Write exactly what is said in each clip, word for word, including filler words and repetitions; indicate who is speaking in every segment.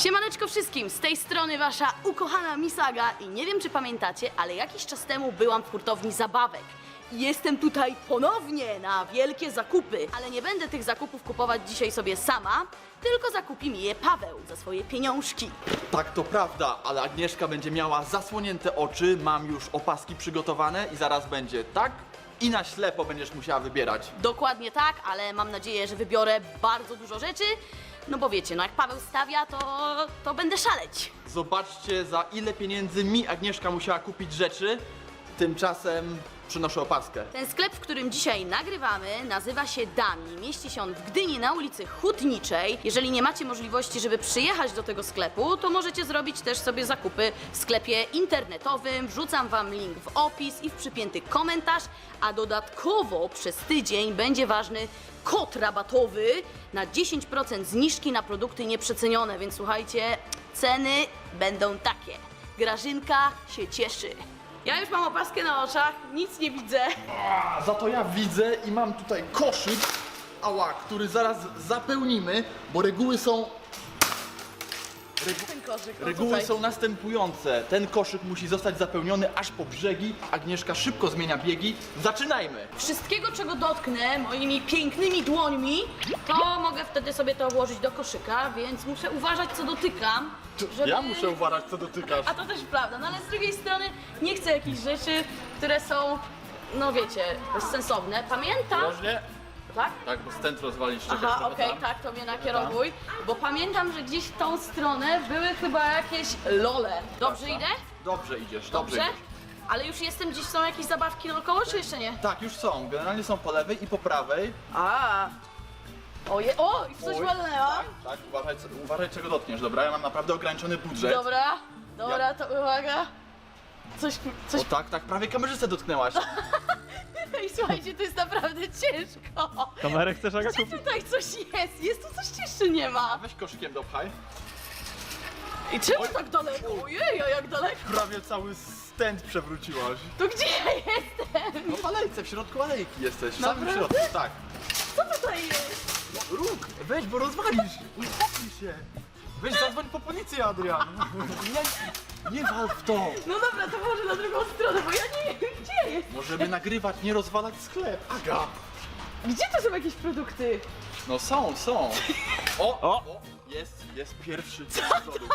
Speaker 1: Siemaneczko wszystkim, z tej strony wasza ukochana Misaga i nie wiem czy pamiętacie, ale jakiś czas temu byłam w hurtowni zabawek. I jestem tutaj ponownie na wielkie zakupy, ale nie będę tych zakupów kupować dzisiaj sobie sama, tylko zakupi mi je Paweł za swoje pieniążki.
Speaker 2: Tak, to prawda, ale Agnieszka będzie miała zasłonięte oczy, mam już opaski przygotowane i zaraz będzie tak i na ślepo będziesz musiała wybierać.
Speaker 1: Dokładnie tak, ale mam nadzieję, że wybiorę bardzo dużo rzeczy, no bo wiecie, no jak Paweł stawia, to, to będę szaleć.
Speaker 2: Zobaczcie, za ile pieniędzy mi Agnieszka musiała kupić rzeczy, tymczasem przynoszę opaskę.
Speaker 1: Ten sklep, w którym dzisiaj nagrywamy, nazywa się Dami. Mieści się on w Gdyni na ulicy Hutniczej. Jeżeli nie macie możliwości, żeby przyjechać do tego sklepu, to możecie zrobić też sobie zakupy w sklepie internetowym. Wrzucam wam link w opis i w przypięty komentarz, a dodatkowo przez tydzień będzie ważny kod rabatowy na dziesięć procent zniżki na produkty nieprzecenione, więc słuchajcie, ceny będą takie. Grażynka się cieszy. Ja już mam opaskę na oczach, nic nie widzę.
Speaker 2: A, za to ja widzę i mam tutaj koszyk, ała, który zaraz zapełnimy, bo reguły są... Regu...
Speaker 1: Ten koszyk, no
Speaker 2: Reguły
Speaker 1: tutaj.
Speaker 2: są następujące. Ten koszyk musi zostać zapełniony aż po brzegi. Agnieszka szybko zmienia biegi. Zaczynajmy!
Speaker 1: Wszystkiego, czego dotknę moimi pięknymi dłońmi, to mogę wtedy sobie to włożyć do koszyka, więc muszę uważać, co dotykam. Żeby...
Speaker 2: Ja muszę uważać, co dotykasz.
Speaker 1: A to też prawda, no ale z drugiej strony nie chcę jakichś rzeczy, które są, no wiecie, bezsensowne. Pamiętam...
Speaker 2: Poważnie?
Speaker 1: Tak?
Speaker 2: Tak, bo stent rozwalić. Czekaj,
Speaker 1: Aha,
Speaker 2: trochę
Speaker 1: okej,
Speaker 2: tam.
Speaker 1: tak, to mnie nakierowuj, bo pamiętam, że gdzieś w tą stronę były chyba jakieś lole. Dobrze idę?
Speaker 2: Dobrze idziesz, dobrze,
Speaker 1: Dobrze?
Speaker 2: idziesz.
Speaker 1: Ale już jestem, gdzieś są jakieś zabawki naokoło, czy jeszcze nie?
Speaker 2: Tak, już są. Generalnie są po lewej i po prawej.
Speaker 1: A. Oje, o, i w coś
Speaker 2: Oj,
Speaker 1: walnęłam.
Speaker 2: Tak, tak, uważaj, co- uważaj czego dotkniesz, dobra? Ja mam naprawdę ograniczony budżet.
Speaker 1: Dobra, dobra,
Speaker 2: Ja-
Speaker 1: to uwaga. Coś, coś...
Speaker 2: O tak, tak, prawie kamerzystę dotknęłaś.
Speaker 1: Ej, słuchajcie, to jest naprawdę ciężko.
Speaker 3: Kamerę chcesz, Aga,
Speaker 1: Gdzie
Speaker 3: kupić?
Speaker 1: tutaj coś jest? Jest tu coś jeszcze nie
Speaker 2: A
Speaker 1: ma.
Speaker 2: weź koszykiem dopchaj.
Speaker 1: I czemu
Speaker 2: Oj.
Speaker 1: tak daleko? Ojej, a jak daleko?
Speaker 2: Prawie cały stent przewróciłaś.
Speaker 1: To gdzie ja jestem?
Speaker 2: No w alejce, w środku alejki jesteś, w samym
Speaker 1: Naprawdę?
Speaker 2: środku, tak.
Speaker 1: Co tutaj jest?
Speaker 2: No, róg, weź, bo rozwalisz. Uspokój się. Weź, zadzwoń po policję, Adrian. Nie, nie wal w to.
Speaker 1: No dobra, to może na drugą stronę, bo ja nie wiem, gdzie jest.
Speaker 2: Możemy nagrywać, nie rozwalać sklep. Aga.
Speaker 1: Gdzie to są jakieś produkty?
Speaker 2: No są, są. O,
Speaker 3: O.
Speaker 2: o jest, jest pierwszy. Co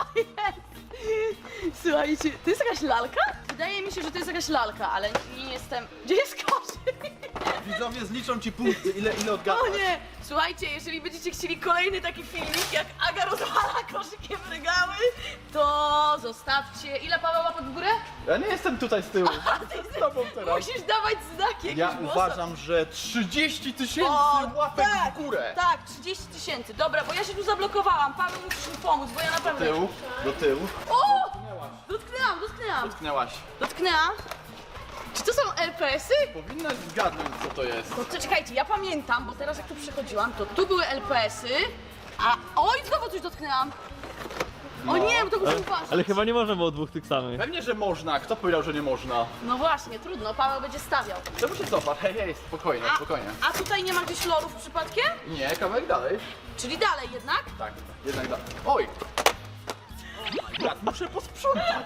Speaker 1: Słuchajcie, to jest jakaś lalka? Wydaje mi się, że to jest jakaś lalka, ale nie jestem... Gdzie jest koszyk?
Speaker 2: Widzowie zliczą ci punkty, ile, ile odgadłaś.
Speaker 1: O nie! Słuchajcie, jeżeli będziecie chcieli kolejny taki filmik, jak Aga rozwala koszykiem regały, to zostawcie... Ile Paweł łapek w górę?
Speaker 2: Ja nie jestem tutaj z tyłu. Jestem z tobą teraz.
Speaker 1: Musisz dawać znaki jakieś
Speaker 2: Ja
Speaker 1: głosem.
Speaker 2: uważam, że trzydzieści tysięcy
Speaker 1: O,
Speaker 2: łapek
Speaker 1: tak,
Speaker 2: w górę.
Speaker 1: Tak, trzydzieści tysięcy. Dobra, bo ja się tu zablokowałam. Paweł, musisz mi pomóc, bo ja
Speaker 2: Do
Speaker 1: naprawdę...
Speaker 2: tyłu, do tyłu.
Speaker 1: O! Dotknęłam, dotknęłam.
Speaker 2: Dotknęłaś.
Speaker 1: Dotknęłam. Czy to są L P S y?
Speaker 2: Powinnaś zgadnąć, co to jest.
Speaker 1: No to czekajcie, ja pamiętam, bo teraz jak tu przechodziłam, to tu były L P S y, a... Oj, znowu coś dotknęłam. O nie, bo to muszę uważać.
Speaker 3: Ale chyba nie można było dwóch tych samych.
Speaker 2: Pewnie, że można. Kto powiedział, że nie można?
Speaker 1: No właśnie, trudno, Paweł będzie stawiał.
Speaker 2: Czemu się cofasz? Hej, hej, spokojnie,
Speaker 1: A,
Speaker 2: spokojnie.
Speaker 1: a tutaj nie ma gdzieś lorów przypadkiem?
Speaker 2: Nie, kawałek dalej.
Speaker 1: Czyli dalej jednak?
Speaker 2: Tak, jednak dalej. Oj! Oh my God, muszę posprzątać.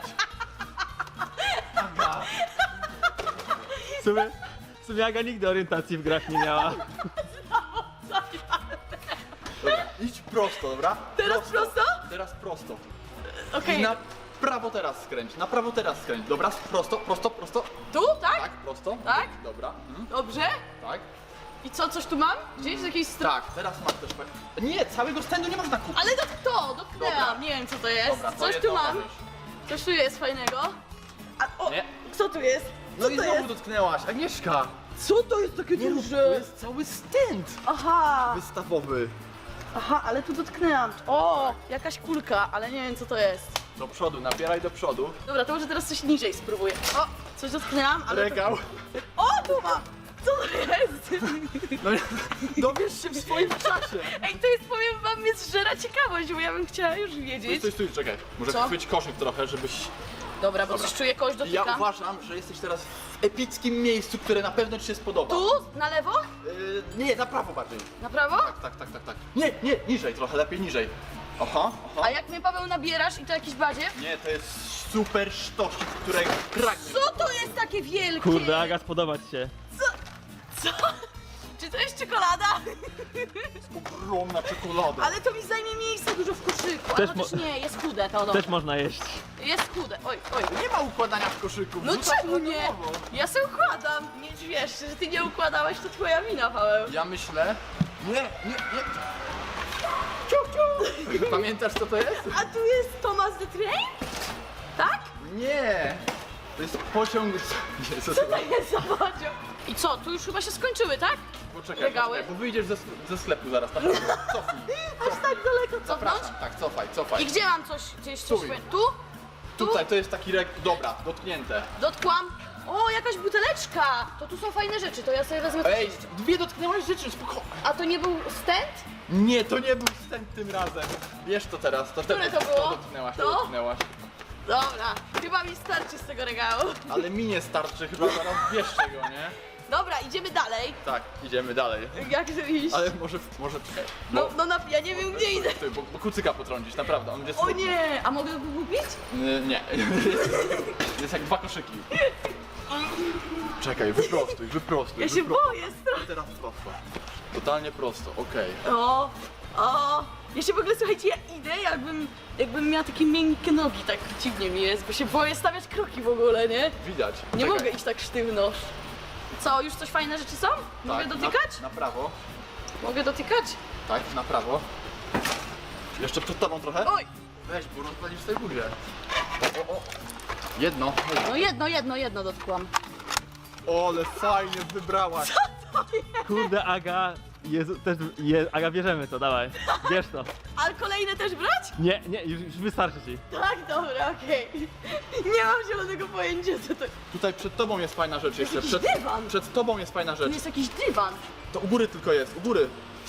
Speaker 2: Aga.
Speaker 3: W sumie, w sumie Aga nigdy orientacji w grach nie miała.
Speaker 2: Dobra, idź prosto, dobra?
Speaker 1: Teraz prosto?
Speaker 2: Teraz prosto.
Speaker 1: Okej,
Speaker 2: I na prawo teraz skręć, na prawo teraz skręć. Dobra, prosto, prosto, prosto.
Speaker 1: tu, tak?
Speaker 2: Tak, prosto.
Speaker 1: Tak?
Speaker 2: Dobra. Mhm.
Speaker 1: Dobrze.
Speaker 2: Tak.
Speaker 1: I co, coś tu mam? Gdzieś z jakiejś strony?
Speaker 2: Tak, teraz masz też. pe- Nie, całego stędu nie można kupić.
Speaker 1: Ale to kto? Dotknęłam,
Speaker 2: Dobra.
Speaker 1: nie wiem co to jest.
Speaker 2: Dobra, to
Speaker 1: coś
Speaker 2: jedno
Speaker 1: tu mam.
Speaker 2: możesz.
Speaker 1: Coś tu jest fajnego. A, o,
Speaker 2: Nie.
Speaker 1: co tu jest? Co
Speaker 2: No i
Speaker 1: to
Speaker 2: znowu
Speaker 1: jest?
Speaker 2: dotknęłaś, Agnieszka.
Speaker 1: Co to jest takie
Speaker 2: Nie rób,
Speaker 1: duże?
Speaker 2: to jest cały stent
Speaker 1: Aha,
Speaker 2: wystawowy.
Speaker 1: aha, ale tu dotknęłam. O, jakaś kulka, ale nie wiem co to jest.
Speaker 2: Do przodu, nabieraj do przodu.
Speaker 1: Dobra, to może teraz coś niżej spróbuję. O, coś dotknęłam, ale...
Speaker 2: Regał.
Speaker 1: To... O, tu mam! Co to jest?
Speaker 2: No, dowiesz się w swoim czasie.
Speaker 1: Ej, to jest, powiem wam, mnie zżera ciekawość, bo ja bym chciała już
Speaker 2: Stój,
Speaker 1: wiedzieć.
Speaker 2: stój, stój, czekaj. Może
Speaker 1: Co?
Speaker 2: chwyć koszyk trochę, żebyś...
Speaker 1: Dobra, bo
Speaker 2: Dobra.
Speaker 1: coś czuję, kogoś
Speaker 2: Ja
Speaker 1: dotyka.
Speaker 2: uważam, że jesteś teraz w epickim miejscu, które na pewno ci się spodoba.
Speaker 1: Tu? Na lewo?
Speaker 2: Yy, nie, na prawo bardziej.
Speaker 1: Na prawo?
Speaker 2: Tak, tak, tak, tak, tak. Nie, nie, niżej trochę, lepiej niżej. Aha,
Speaker 1: A
Speaker 2: aha.
Speaker 1: jak mnie, Paweł, nabierasz i to jakiś badziew?
Speaker 2: Nie, to jest super sztosik, którego pragniesz.
Speaker 1: Co to jest takie wielkie?
Speaker 3: Kurde, Aga, spodobać się.
Speaker 1: Co? Co? Czy to jest czekolada?
Speaker 2: Ogromna czekolada.
Speaker 1: Ale to mi zajmie miejsce dużo w koszyku.
Speaker 3: Też
Speaker 1: Ale też
Speaker 3: mo-
Speaker 1: nie, jest chude to dobra.
Speaker 3: Też można jeść.
Speaker 1: Jest chude. Oj, oj.
Speaker 2: Nie ma układania w koszyku.
Speaker 1: No
Speaker 2: wrzucasz
Speaker 1: czemu
Speaker 2: na
Speaker 1: nie?
Speaker 2: nowo.
Speaker 1: Ja se układam. Nie wiesz, że ty nie układałeś, to twoja wina, Paweł.
Speaker 2: Ja myślę... Nie, nie, nie. Ciuch, ciuch. Pamiętasz, co to jest?
Speaker 1: A tu jest Thomas the Train? Tak?
Speaker 2: Nie. To jest pociąg... Nie, co
Speaker 1: Co to jest za pociąg? I co, tu już chyba się skończyły, tak?
Speaker 2: Poczekaj,
Speaker 1: Regały?
Speaker 2: poczekaj, bo wyjdziesz ze, ze sklepu zaraz, naprawdę. Cofnij.
Speaker 1: Aż tak daleko cofnąć?
Speaker 2: Zapraszam, tak, cofaj, cofaj.
Speaker 1: I gdzie mam coś, gdzieś coś...
Speaker 2: Stój.
Speaker 1: Tu? Tu?
Speaker 2: Tutaj to jest taki rek... Dobra, dotknięte.
Speaker 1: Dotkłam. O, jakaś buteleczka. To tu są fajne rzeczy, to ja sobie wezmę...
Speaker 2: Ej, dwie dotknęłaś rzeczy, spokojnie.
Speaker 1: A to nie był stent?
Speaker 2: Nie, to nie był wstęp tym razem. Bierz to teraz, to
Speaker 1: Które
Speaker 2: teraz
Speaker 1: to było?
Speaker 2: dotknęłaś,
Speaker 1: To?
Speaker 2: to dotknęłaś.
Speaker 1: Dobra, chyba mi starczy z tego regału.
Speaker 2: Ale mi nie starczy, chyba zaraz bierz tego, nie?
Speaker 1: Dobra, idziemy dalej.
Speaker 2: Tak, idziemy dalej.
Speaker 1: Jak tu iść?
Speaker 2: Ale może, może czekaj.
Speaker 1: No, no na, ja nie wiem gdzie idę.
Speaker 2: Ty, bo, bo kucyka potrącisz, naprawdę, on będzie
Speaker 1: O nie, a mogę go kupić?
Speaker 2: Nie, nie. Jest jak dwa koszyki. Czekaj, wyprostuj, wyprostuj.
Speaker 1: Ja się
Speaker 2: wyprostuj.
Speaker 1: boję strasznie.
Speaker 2: Teraz prosto. Totalnie prosto, okej.
Speaker 1: O, o. Ja się w ogóle, słuchajcie, ja idę jakbym, jakbym miała takie miękkie nogi, tak dziwnie mi jest, bo się boję stawiać kroki w ogóle, nie?
Speaker 2: Widać.
Speaker 1: Nie
Speaker 2: Czekaj.
Speaker 1: mogę iść tak sztywno. Co, już coś fajne rzeczy są? Mogę
Speaker 2: Tak,
Speaker 1: dotykać?
Speaker 2: Na, na prawo.
Speaker 1: Mogę dotykać?
Speaker 2: Tak, na prawo. Jeszcze przed tobą trochę.
Speaker 1: Oj!
Speaker 2: Weź, bo rozpalisz sobie buzię. O, o, o. Jedno.
Speaker 1: No jedno, jedno, jedno dotkłam.
Speaker 2: O, ale fajnie wybrałaś.
Speaker 3: Kurde, Aga, Jezu, też, je, Aga, bierzemy to, dawaj. Bierz to.
Speaker 1: Ale kolejne też brać?
Speaker 3: Nie, nie, już, już wystarczy ci.
Speaker 1: Tak, dobra, okej. Nie mam zielonego pojęcia co to...
Speaker 2: Tutaj przed tobą jest fajna rzecz jeszcze.
Speaker 1: jakiś
Speaker 2: Przed,
Speaker 1: dywan.
Speaker 2: przed tobą jest fajna
Speaker 1: Tu
Speaker 2: rzecz.
Speaker 1: jest jakiś dywan.
Speaker 2: To u góry tylko jest, u góry.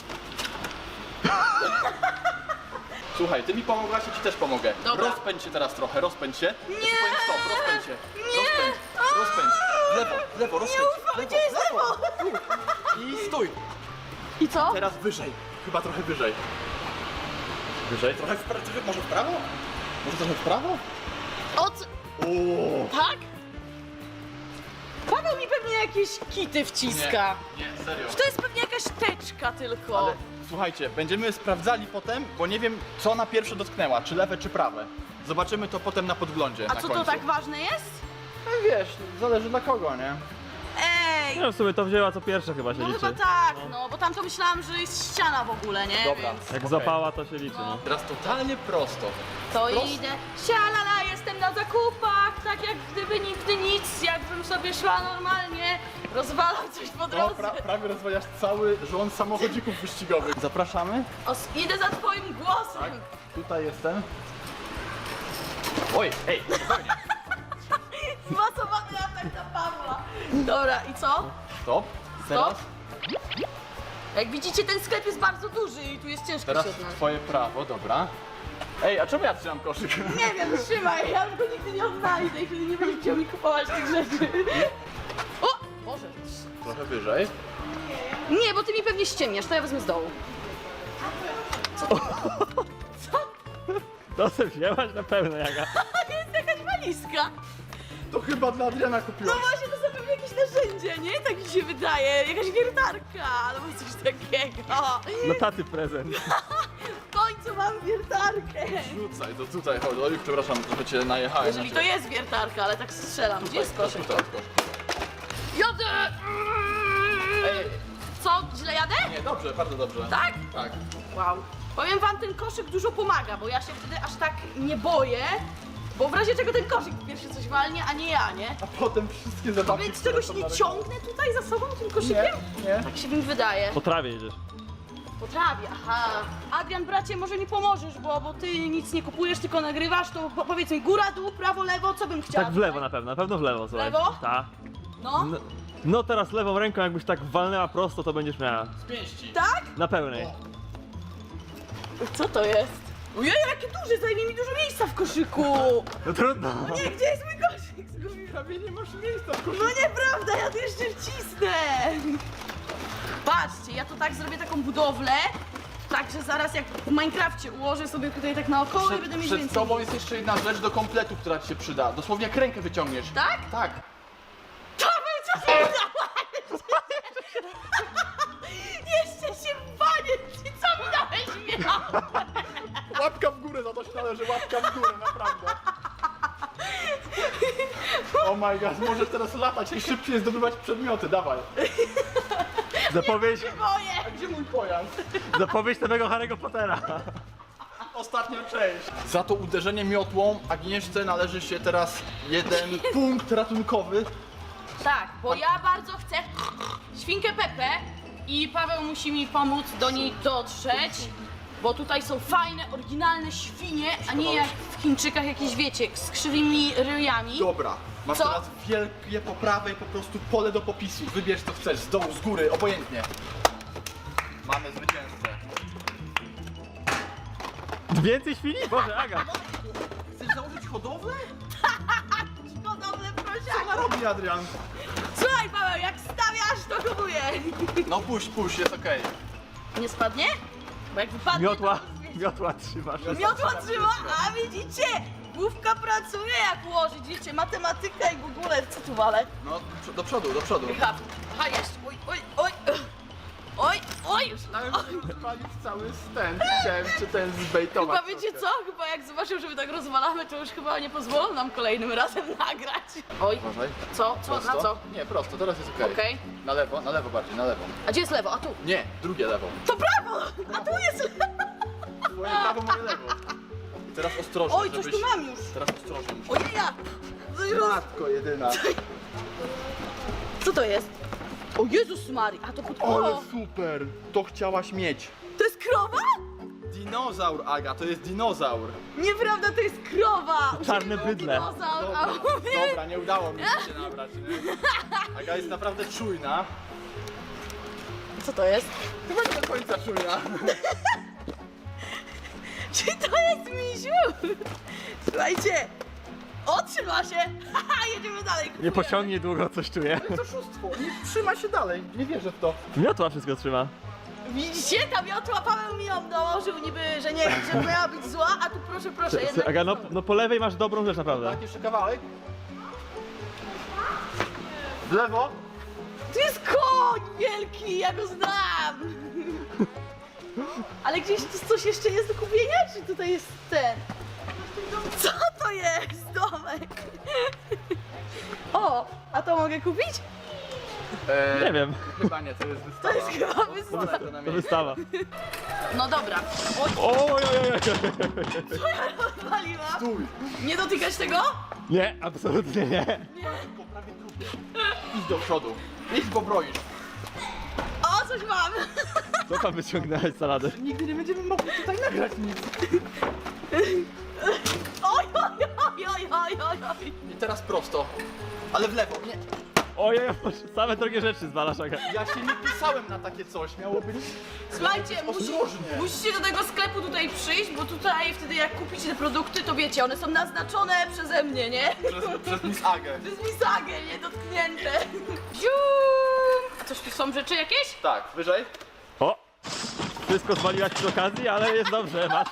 Speaker 2: Słuchaj, ty mi pomogłaś, ja ci też pomogę.
Speaker 1: Dobra.
Speaker 2: Rozpędź się teraz trochę, rozpędź się. Ja ci
Speaker 1: Nie.
Speaker 2: powiem stop, rozpędź się.
Speaker 1: Nie.
Speaker 2: Rozpędź, rozpędź. W lewo, w lewo, rozpędź.
Speaker 1: ufam,
Speaker 2: lewo,
Speaker 1: gdzie jest lewo?
Speaker 2: Tu. I stój.
Speaker 1: I co?
Speaker 2: Teraz wyżej, chyba trochę wyżej. Wyżej? Trochę w prawo, trochę, może w prawo? Może trochę w prawo?
Speaker 1: O co?
Speaker 2: O.
Speaker 1: Tak? Paweł mi pewnie jakieś kity wciska.
Speaker 2: Nie, nie, serio.
Speaker 1: To jest pewnie jakaś teczka tylko.
Speaker 2: Ale słuchajcie, będziemy sprawdzali potem, bo nie wiem co na pierwsze dotknęła, czy lewe, czy prawe. Zobaczymy to potem na podglądzie.
Speaker 1: A
Speaker 2: na
Speaker 1: co
Speaker 2: końcu.
Speaker 1: to tak ważne jest?
Speaker 2: No wiesz, zależy dla kogo, nie?
Speaker 1: Ej!
Speaker 3: No w sumie to wzięła co pierwsze chyba się
Speaker 1: No
Speaker 3: liczy.
Speaker 1: chyba tak, no bo tam to myślałam, że jest ściana w ogóle, nie?
Speaker 2: Dobra.
Speaker 1: Więc
Speaker 3: Jak
Speaker 2: Okej.
Speaker 3: zapała to się liczy, no.
Speaker 2: Teraz totalnie prosto.
Speaker 1: to
Speaker 2: Prosto.
Speaker 1: idę. Sialala, jestem na zakupach, tak jak gdyby nigdy nic, jakbym sobie szła normalnie, rozwalam coś po
Speaker 2: No,
Speaker 1: drodze.
Speaker 2: pra, prawie rozwajasz cały rząd samochodzików wyścigowych. Zapraszamy.
Speaker 1: O, s- idę za twoim głosem.
Speaker 2: Tak, tutaj jestem. Oj, ej, spokojnie.
Speaker 1: Zmacowany atak na Pawła. Dobra, i co?
Speaker 2: Stop. Teraz,
Speaker 1: Jak widzicie, ten sklep jest bardzo duży i tu jest ciężko
Speaker 2: teraz
Speaker 1: się odnaleźć.
Speaker 2: twoje prawo, dobra. Ej, a czemu ja trzymam koszyk?
Speaker 1: Nie wiem, trzymaj, ja go nigdy nie odnajdę i wtedy nie będziesz chciał mi kupować tych rzeczy. O! Boże.
Speaker 2: Trochę wyżej.
Speaker 1: Nie, bo ty mi pewnie ściemniasz, to ja wezmę z dołu.
Speaker 3: To se wzięłaś na pewno, Aga.
Speaker 1: A jest jakaś walizka.
Speaker 2: To chyba dla Adriana
Speaker 1: No
Speaker 2: kupiłaś.
Speaker 1: właśnie, to są pewnie jakieś narzędzie, nie? Tak mi się wydaje. Jakaś wiertarka albo coś takiego.
Speaker 3: Dla taty prezent.
Speaker 1: W końcu mam wiertarkę.
Speaker 2: Rzucaj, to tutaj chodź. Oj, przepraszam, trochę cię najechałem.
Speaker 1: Jeżeli to jest wiertarka, ale tak strzelam. Gdzie jest koszyk?
Speaker 2: Tutaj, tutaj.
Speaker 1: Jadę!
Speaker 2: Ej,
Speaker 1: Co, źle jadę?
Speaker 2: nie, dobrze, bardzo dobrze.
Speaker 1: Tak?
Speaker 2: Tak.
Speaker 1: Wow. Powiem wam, ten koszyk dużo pomaga, bo ja się wtedy aż tak nie boję, bo w razie czego ten koszyk pierwszy coś walnie, a nie ja, nie?
Speaker 2: A potem wszystkie zabawki,
Speaker 1: Więc
Speaker 2: które
Speaker 1: czegoś
Speaker 2: są
Speaker 1: nie
Speaker 2: na rynku.
Speaker 1: ciągnę tutaj za sobą tym koszykiem?
Speaker 2: Nie, nie.
Speaker 1: Tak się mi wydaje.
Speaker 3: Po trawie jedziesz.
Speaker 1: Po trawie, aha. Adrian, bracie, może mi pomożesz, bo, bo ty nic nie kupujesz, tylko nagrywasz, to po, powiedz mi góra, dół, prawo, lewo, co bym chciała?
Speaker 3: Tak w lewo
Speaker 1: tutaj?
Speaker 3: na pewno, na pewno w lewo, słuchaj.
Speaker 1: Lewo?
Speaker 3: Tak.
Speaker 1: No,
Speaker 3: No, no teraz lewą ręką jakbyś tak walnęła prosto, to będziesz miała.
Speaker 2: Z pięści.
Speaker 1: tak?
Speaker 3: Na pełnej.
Speaker 1: Co to jest? Ojej, jakie duże, zajmie mi dużo miejsca w koszyku.
Speaker 3: No trudno.
Speaker 1: Nie, gdzie jest mój koszyk? Zgubiłam.
Speaker 2: Prawie nie masz miejsca w koszyku.
Speaker 1: No nieprawda, ja tu jeszcze wcisnę! Patrzcie, ja tu tak zrobię taką budowlę Także zaraz jak w Minecrafcie ułożę sobie tutaj tak naokoło i
Speaker 2: Przed,
Speaker 1: będę mieć
Speaker 2: przed
Speaker 1: więcej.
Speaker 2: tobą jest jeszcze jedna rzecz do kompletu, która ci się przyda. Dosłownie jak rękę wyciągniesz.
Speaker 1: Tak?
Speaker 2: Tak.
Speaker 1: Paweł, co ty dałeś? Jeszcze się banie, ci co mi dałeś miał?
Speaker 2: Łapka w górę, za to się należy łapka w górę, naprawdę. Oh my god, możesz teraz latać i szybciej zdobywać przedmioty, dawaj.
Speaker 3: Zapowiedź,
Speaker 1: Boję!
Speaker 2: A gdzie mój pojazd?
Speaker 3: zapowiedź nowego Harry'ego Pottera.
Speaker 2: Ostatnia część. Za to uderzenie miotłą Agnieszce należy się teraz jeden punkt ratunkowy.
Speaker 1: Tak, bo ja bardzo chcę świnkę Pepę i Paweł musi mi pomóc do niej dotrzeć, bo tutaj są fajne, oryginalne świnie, a nie jak w Chińczykach jakieś, wiecie, z krzywymi ryjami.
Speaker 2: Dobra, masz
Speaker 1: Co?
Speaker 2: teraz wielkie po prawej po prostu pole do popisu. Wybierz co chcesz, z dołu, z góry, obojętnie. Mamy zwycięzcę.
Speaker 3: Więcej świni? Boże, Aga.
Speaker 2: Chcesz założyć hodowlę?
Speaker 1: Hodowlę
Speaker 2: Co
Speaker 1: prosiaka.
Speaker 2: ona robi, Adrian?
Speaker 1: Słuchaj Paweł, jak stawiasz, to kupuję.
Speaker 2: No puść, puść, jest okej.
Speaker 1: Nie spadnie? Bo jak wypadnie,
Speaker 3: Miotła,
Speaker 1: to...
Speaker 3: miotła trzymasz.
Speaker 1: Miotła trzyma, a widzicie? Główka pracuje jak ułożyć, widzicie, matematyka i w ogóle, co tu wale?
Speaker 2: No, do przodu, do przodu.
Speaker 1: Aha, aha jest, oj, oj, oj, oj, oj, już.
Speaker 2: Palić cały stand, chciałem cię ten zbejtować.
Speaker 1: Chyba wiecie co? Chyba jak zobaczył, że my tak rozwalamy, to już chyba nie pozwolą nam kolejnym razem nagrać. Oj,
Speaker 2: Uważaj.
Speaker 1: co, co, na co?
Speaker 2: Nie, prosto, teraz jest okej.
Speaker 1: Okej.
Speaker 2: Na lewo, na lewo bardziej, na lewo.
Speaker 1: A gdzie jest lewo? A tu?
Speaker 2: Nie, drugie lewo.
Speaker 1: To prawo! A tu jest lewo!
Speaker 2: Twoje prawo, moje lewo. I teraz ostrożnie,
Speaker 1: Oj, coś
Speaker 2: żebyś...
Speaker 1: tu mam już.
Speaker 2: Teraz ostrożnie. musisz-
Speaker 1: Ojeja! Coś roz...
Speaker 2: Matko jedyna.
Speaker 1: Co to jest? O Jezus Mary, a to pod...
Speaker 2: Ale
Speaker 1: O,
Speaker 2: super! To chciałaś mieć.
Speaker 1: to jest krowa?
Speaker 2: Dinozaur, Aga, to jest dinozaur.
Speaker 1: Nieprawda, to jest krowa!
Speaker 3: Czarne
Speaker 1: Mówię,
Speaker 3: bydlę.
Speaker 1: Dinozaur, a
Speaker 2: Dobra,
Speaker 1: mówię...
Speaker 2: dobra, nie udało mi się nabrać. Nie? Aga jest naprawdę czujna.
Speaker 1: Co to jest?
Speaker 2: Chyba nie do końca czujna.
Speaker 1: Czy to jest misiu? Słuchajcie, otrzyma się! Haha, jedziemy dalej.
Speaker 3: Nie
Speaker 1: kupujemy.
Speaker 3: pociągnie długo, coś czuję.
Speaker 2: To oszustwo, nie trzyma się dalej, nie wierzę w to.
Speaker 3: Miotła wszystko trzyma.
Speaker 1: Widzicie, ta miotła Paweł mi ją dołożył niby, że nie, że miała być zła, a tu proszę, proszę, jednak...
Speaker 3: Aga, no, no po lewej masz dobrą rzecz naprawdę.
Speaker 2: Tak, jeszcze kawałek. W lewo.
Speaker 1: Tu jest koń wielki, ja go znam! Ale gdzieś tu coś jeszcze jest do kupienia, czy tutaj jest ten? Co to jest? Domek! O, a to mogę kupić?
Speaker 2: Eee,
Speaker 3: Nie wiem,
Speaker 2: Chyba nie, to jest wystawa.
Speaker 1: To jest chyba wystawa.
Speaker 2: Zobaczę to na
Speaker 3: to
Speaker 2: miejscu.
Speaker 3: wystawa.
Speaker 1: No dobra. Oj,
Speaker 3: Oj, oj, oj, oj.
Speaker 1: co ja rozwaliłam?
Speaker 2: Stój.
Speaker 1: Nie dotykać tego?
Speaker 3: Nie, absolutnie nie.
Speaker 2: Po prawej trupie. Idź do przodu. Idź, bo broisz.
Speaker 1: O, coś mam!
Speaker 3: Co tam wyciągnąłeś z salady?
Speaker 2: Nigdy nie będziemy mogli tutaj nagrać nic.
Speaker 1: Oj, oj, oj, oj, oj, oj, oj.
Speaker 2: I teraz prosto. Ale w lewo. Nie.
Speaker 3: Ojej, same drogie rzeczy zwalasz, Aga.
Speaker 2: Ja się nie pisałem na takie coś. Miało być...
Speaker 1: Słuchajcie, musi,
Speaker 2: Ostrożnie.
Speaker 1: musicie do tego sklepu tutaj przyjść, bo tutaj wtedy jak kupicie te produkty, to wiecie, one są naznaczone przeze mnie, nie?
Speaker 2: Przez, przez Miss Agę.
Speaker 1: Przez misagę, nie dotknięte. Ziu! A coś tu są rzeczy jakieś?
Speaker 2: Tak, wyżej.
Speaker 3: O! Wszystko zwaliłaś przy okazji, ale jest dobrze, masz.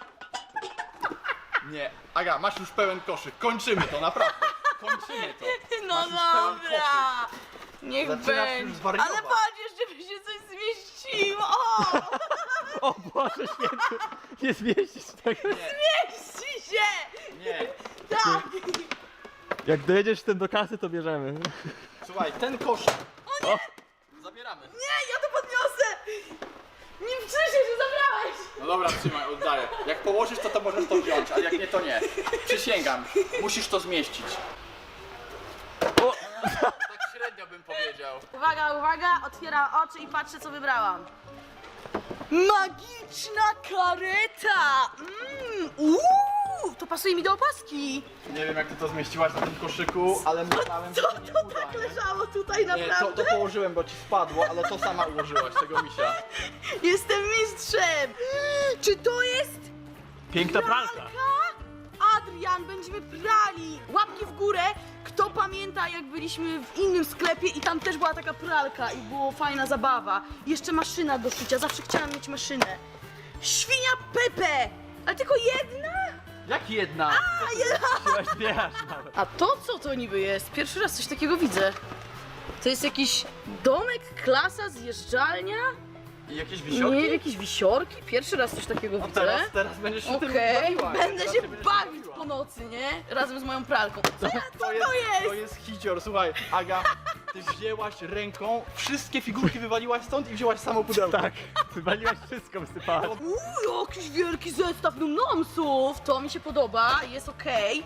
Speaker 2: Nie. Aga, masz już pełen koszyk. Kończymy to, naprawdę. Kończymy to.
Speaker 1: No
Speaker 2: Masz już pełen
Speaker 1: dobra. Niech
Speaker 2: Zaczynasz już
Speaker 1: będzie.
Speaker 2: zwariować.
Speaker 1: Ale patrz, jeszcze by się coś zmieściło. O!
Speaker 3: O Boże święty, nie zmieścisz tego.
Speaker 1: Mieści się!
Speaker 2: Nie.
Speaker 1: Tak!
Speaker 3: Jak dojedziesz z tym do kasy, to bierzemy.
Speaker 2: Słuchaj, ten koszyk.
Speaker 3: O,
Speaker 2: Zabieramy.
Speaker 1: Nie, ja to podniosę! Nie wcześniej, że zabrałeś!
Speaker 2: No dobra, trzymaj, oddaję. Jak położysz to, to możesz to wziąć, ale jak nie, to nie. Przysięgam. Musisz to zmieścić.
Speaker 3: o.
Speaker 2: Tak średnio bym powiedział.
Speaker 1: Uwaga, uwaga, otwieram oczy i patrzę, co wybrałam. Magiczna kareta! Mmm, uuu, to pasuje mi do opaski.
Speaker 2: Nie wiem, jak ty to zmieściłaś na tym koszyku, ale myślałem, że
Speaker 1: Co
Speaker 2: to nie
Speaker 1: to
Speaker 2: uda,
Speaker 1: tak
Speaker 2: nie?
Speaker 1: leżało tutaj
Speaker 2: Nie, to,
Speaker 1: naprawdę?
Speaker 2: to położyłem, bo ci spadło, ale to sama ułożyłaś, tego misia.
Speaker 1: Jestem mistrzem! Czy to jest
Speaker 3: Piękna pralka.
Speaker 1: Adrian, będziemy prali! Łapki w górę! Kto pamięta, jak byliśmy w innym sklepie i tam też była taka pralka i było fajna zabawa. Jeszcze maszyna do szycia, zawsze chciałam mieć maszynę. Świnia Pepe! Ale tylko jedna?
Speaker 2: Jak jedna?
Speaker 3: Chyba śpiewasz nawet.
Speaker 1: A to co to niby jest? Pierwszy raz coś takiego widzę. To jest jakiś domek, klasa, zjeżdżalnia?
Speaker 2: I jakieś
Speaker 1: Nie,
Speaker 2: wisiorki?
Speaker 1: jakieś wisiorki? Pierwszy raz coś takiego
Speaker 2: No
Speaker 1: widzę.
Speaker 2: teraz, teraz będziesz się tym
Speaker 1: Okej,
Speaker 2: bawiła.
Speaker 1: będę
Speaker 2: Teraz
Speaker 1: się
Speaker 2: będziesz
Speaker 1: bawić
Speaker 2: bawiła.
Speaker 1: po nocy, nie? Razem z moją pralką. Co, co
Speaker 2: To jest,
Speaker 1: to jest?
Speaker 2: to jest hicior, słuchaj, Aga, ty wzięłaś ręką, wszystkie figurki wywaliłaś stąd i wzięłaś samo pudełko.
Speaker 3: Tak, wywaliłaś wszystko, wysypałaś.
Speaker 1: Uuu, jakiś wielki zestaw numnomsów! To mi się podoba, jest okej.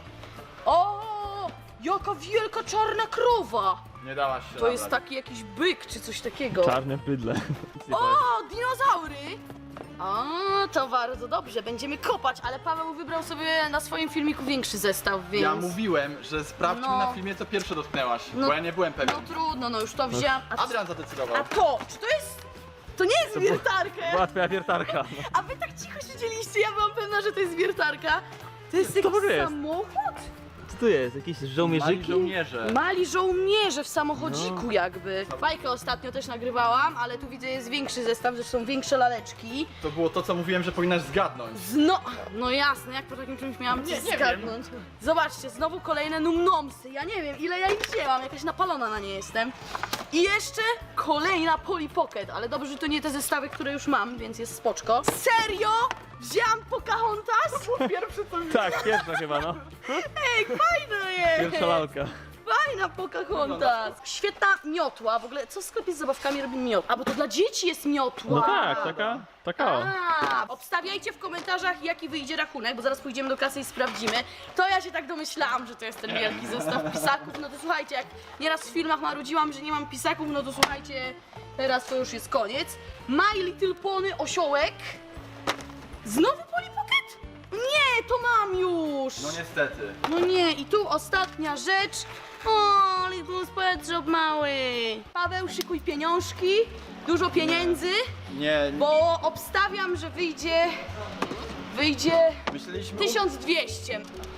Speaker 1: O, jaka wielka czarna krowa!
Speaker 2: Nie dałaś się
Speaker 1: To jest
Speaker 2: nabrać.
Speaker 1: taki jakiś byk czy coś takiego.
Speaker 3: Czarne bydle.
Speaker 1: O, dinozaury! O, to bardzo dobrze, będziemy kopać, ale Paweł wybrał sobie na swoim filmiku większy zestaw, więc...
Speaker 2: Ja mówiłem, że sprawdźmy
Speaker 1: No.
Speaker 2: na filmie, co pierwsze dotknęłaś,
Speaker 1: No.
Speaker 2: bo ja nie byłem pewien.
Speaker 1: No trudno, no już to wziąłem. A,
Speaker 2: Adrian zadecydował.
Speaker 1: a to, czy to jest... To nie jest wiertarka!
Speaker 3: Była twoja wiertarka.
Speaker 1: A wy tak cicho siedzieliście, ja byłam pewna, że to jest wiertarka. To jest jakiś
Speaker 3: może jest?
Speaker 1: samochód?
Speaker 3: Co tu jest? Jakieś
Speaker 2: Mali
Speaker 3: żołnierzyki?
Speaker 2: żołnierze.
Speaker 1: Mali żołnierze w samochodziku
Speaker 3: No.
Speaker 1: jakby. Bajkę ostatnio też nagrywałam, ale tu widzę jest większy zestaw, zresztą większe laleczki.
Speaker 2: To było to, co mówiłem, że powinnaś zgadnąć.
Speaker 1: Zno... No jasne, jak po takim czymś miałam
Speaker 2: Nie,
Speaker 1: coś
Speaker 2: nie
Speaker 1: zgadnąć. Zobaczcie, znowu kolejne numnomsy. Ja nie wiem, ile ja ich wzięłam, jakaś napalona na nie jestem. I jeszcze kolejna Polly Pocket, ale dobrze, że to nie te zestawy, które już mam, więc jest spoczko. Serio? Wzięłam Pocahontas?
Speaker 2: Pierwszy co
Speaker 3: Tak, pierwsza chyba, no.
Speaker 1: Ej, fajna jest!
Speaker 3: Pierwsza lalka.
Speaker 1: Fajna Pocahontas! Świetna miotła, w ogóle co w sklepie z zabawkami robi miotła? A bo to dla dzieci jest miotła!
Speaker 3: No tak, taka, taka o.
Speaker 1: A, obstawiajcie w komentarzach, jaki wyjdzie rachunek, bo zaraz pójdziemy do kasy i sprawdzimy. To ja się tak domyślałam, że to jest ten wielki zestaw pisaków. No to słuchajcie, jak nieraz w filmach marudziłam, że nie mam pisaków, no to słuchajcie, teraz to już jest koniec. My Little Pony osiołek. Znowu Polly Pocket? Nie, to mam już!
Speaker 2: No niestety.
Speaker 1: No nie, i tu ostatnia rzecz. O, Little Pet Shop mały. Paweł, szykuj pieniążki, dużo pieniędzy,
Speaker 2: Nie, nie.
Speaker 1: bo obstawiam, że wyjdzie, wyjdzie
Speaker 2: Myśleliśmy...
Speaker 1: tysiąc dwieście.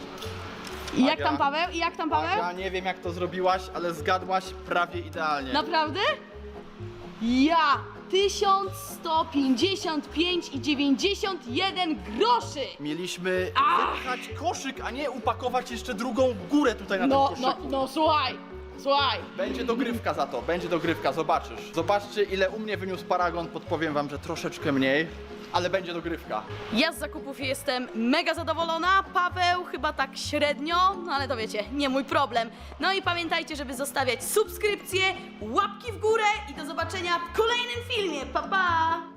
Speaker 1: I jak
Speaker 2: Aga.
Speaker 1: tam Paweł? I jak tam Paweł?
Speaker 2: Ja nie wiem, jak to zrobiłaś, ale zgadłaś prawie idealnie.
Speaker 1: Naprawdę? Ja tysiąc sto pięćdziesiąt pięć i dziewięćdziesiąt jeden groszy.
Speaker 2: Mieliśmy
Speaker 1: Ach.
Speaker 2: wypchać koszyk, a nie upakować jeszcze drugą górę tutaj na
Speaker 1: No,
Speaker 2: tym
Speaker 1: no,
Speaker 2: koszyku.
Speaker 1: no, słuchaj, słuchaj.
Speaker 2: Będzie dogrywka za to, będzie dogrywka, zobaczysz. Zobaczcie, ile u mnie wyniósł paragon, podpowiem wam, że troszeczkę mniej, ale będzie dogrywka.
Speaker 1: Ja z zakupów jestem mega zadowolona, Paweł chyba tak średnio, no ale to wiecie, nie mój problem. No i pamiętajcie, żeby zostawiać subskrypcje, łapki w górę i do zobaczenia w kolejnym filmie. Pa, pa!